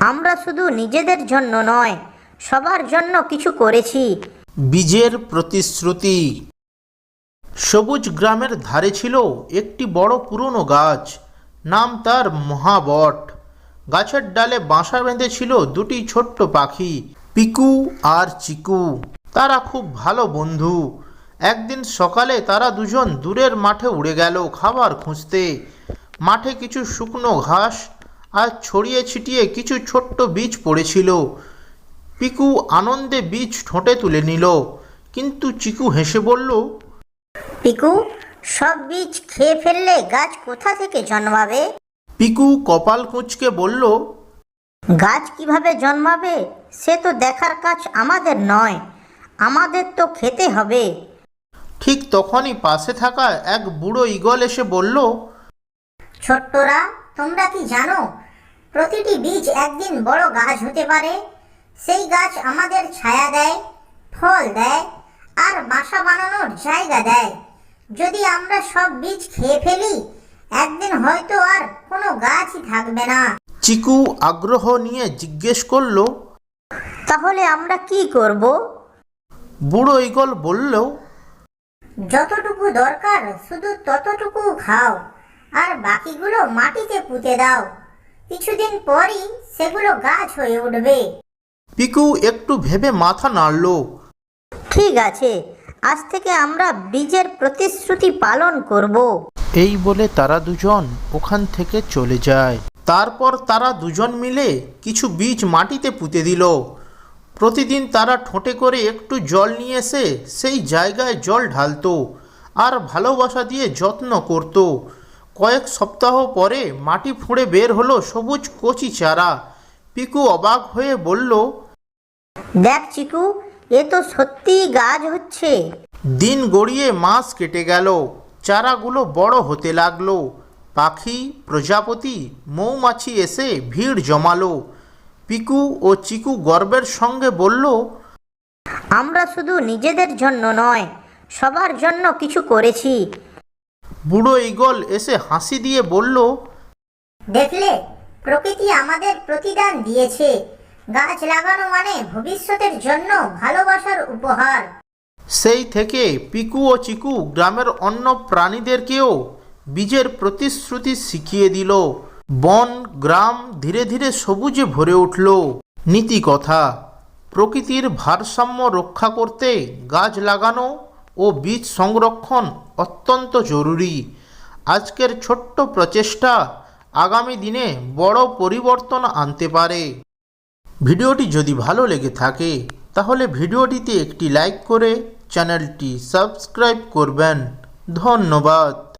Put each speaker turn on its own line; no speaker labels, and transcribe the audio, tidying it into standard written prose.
আমরা শুধু নিজেদের জন্য নয়, সবার জন্য কিছু করেছি।
বীজের প্রতিশ্রুতি। সবুজ গ্রামের ধারে ছিল একটি বড় পুরনো গাছ, নাম তার মহাবট। গাছের ডালে বাসা বেঁধেছিল দুটি ছোট্ট পাখি, পিকু আর চিকু। তারা খুব ভালো বন্ধু। একদিন সকালে তারা দুজন দূরের মাঠে উড়ে গেল খাবার খুঁজতে। মাঠে কিছু শুকনো ঘাস আর ছড়িয়ে ছিটিয়ে কিছু ছোট্ট বীজ পড়েছিল। পিকু আনন্দে বীজ ঠোঁটে তুলে নিল, কিন্তু চিকু হেসে বলল,
পিকু, সব বীজ খেয়ে ফেললে গাছ কোথা থেকে জন্মাবে?
পিকু কপাল কুঁচকে বলল,
গাছ কিভাবে জন্মাবে সে তো দেখার কাজ আমাদের নয়, আমাদের তো খেতে হবে।
ঠিক তখনই পাশে থাকা এক বুড়ো ঈগল এসে বলল,
ছোট্টরা, তোমরা কি জানো প্রতিটি বীজ একদিন বড় গাছ হতে পারে? সেই গাছ আমাদের ছায়া দেয়, ফল দেয় আর বাসা বানানোর জায়গা দেয়। যদি আমরা সব বীজ খেয়ে ফেলি, একদিন হয়তো আর কোনো গাছই থাকবে না।
চিকু আগ্রহ নিয়ে জিজ্ঞেস করল,
তাহলে আমরা কি করব?
বুড়ো ঈগল বলল,
যতটুকু দরকার শুধু ততটুকু খাও, আর বাকিগুলো মাটিতে পুঁতে দাও। কিছুদিন পরই সেগুলো গাছ হয়ে উঠবে।
পিকু একটু ভেবে মাথা নাড়ল।
ঠিক আছে, আজ থেকে আমরা বীজের প্রতিশ্রুতি পালন করব।
এই বলে তারা দুজন ওখান থেকে চলে যায়। তারপর তারা দুজন মিলে কিছু বীজ মাটিতে পুঁতে দিল। প্রতিদিন তারা ঠোঁটে করে একটু জল নিয়ে এসে সেই জায়গায় জল ঢালতো আর ভালোবাসা দিয়ে যত্ন করত। কয়েক সপ্তাহ পরে মাটি ফুঁড়ে বের হলো সবুজ কচি চারা। পিকু অবাক হয়ে বলল,
দেখ চিকু, এ তো সত্যিই গাছ হচ্ছে।
দিন গড়িয়ে মাস কেটে গেল, চারাগুলো বড় হতে লাগলো। পাখি, প্রজাপতি, মৌমাছি এসে ভিড় জমালো। পিকু ও চিকু গর্বের সঙ্গে বলল,
আমরা শুধু নিজেদের জন্য নয়, সবার জন্য কিছু করেছি।
বুড়ো ঈগল এসে হাসি দিয়ে বলল,
দেখলে, প্রকৃতি আমাদের প্রতিদান দিয়েছে। গাছ লাগানো মানে ভবিষ্যতের জন্য ভালোবাসার উপহার।
সেই থেকে পিকু ও চিকু গ্রামের অন্য প্রাণীদেরকেও বীজের প্রতিশ্রুতি শিখিয়ে দিল। বন, গ্রাম ধীরে ধীরে সবুজে ভরে উঠল। নীতি কথা: প্রকৃতির ভারসাম্য রক্ষা করতে গাছ লাগানো ও বীজ সংরক্ষণ অত্যন্ত জরুরি। আজকের ছোট্ট প্রচেষ্টা আগামী দিনে বড় পরিবর্তন আনতে পারে। ভিডিওটি যদি ভালো লেগে থাকে তাহলে ভিডিওটিতে একটি লাইক করে চ্যানেলটি সাবস্ক্রাইব করবেন। ধন্যবাদ।